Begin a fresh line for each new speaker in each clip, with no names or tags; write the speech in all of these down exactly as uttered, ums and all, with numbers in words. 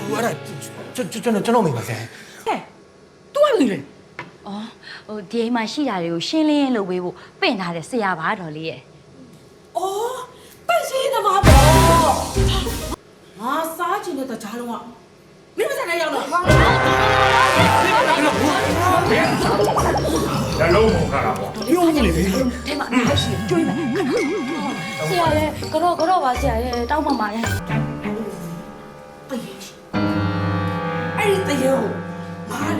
အဲ့ဒါကျွန်ကျွန်တော်ကျွန်တော်မိပါဆရာ
ဟဲ့ तू ကလူလေ
အော်ဟိုဒီအိမ်မှာရှိတာတွေကိုရှင်းလင်းရင်းလုပ်ပေးဖို့ပင့်ထားတဲ့ဆရာပါတော်လေးရဲ့
အော်ပန့်ရှင်းသမားပေါ့ငါစားချင်တဲ့တကြားလုံးကမင်းမစားနိုင်ရောက်တော့
ရလုံးမခါတော့
ပြုံးနေလေ
ထဲမှာအားရှိကျွေးမယ်ဆရာရဲ့ကတော့ကတော့ပါဆရာရဲ့တောင်းပန်ပါလေ
အဲ့ဒီတရေကိုမာလေ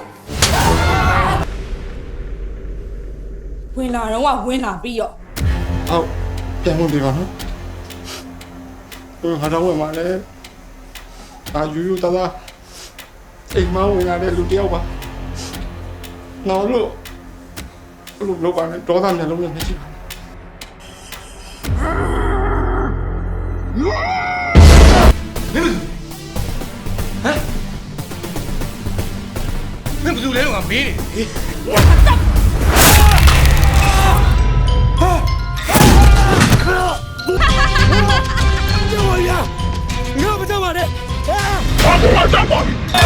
ဝင်လာတော့ကဝင်လာပြီးတော့
ဟုတ်ပြန်ဝင်ပြီပါနော်ဟိုဟာတော့ဝင်มาလဲအာယူယူတသားအိမ်မဝင်လာတဲ့လူတယောက်ပါနော်လို့လို့လောက်ပါနဲ့ဒေါသမျက်လုံးနဲ့မရှိပါ
မင်းဘယ်သူလဲတော့ငါမေးနေ
ကျော်ရငါမကြောက်ပါနဲ့
ဘာမှမကြောက်ပါဘူး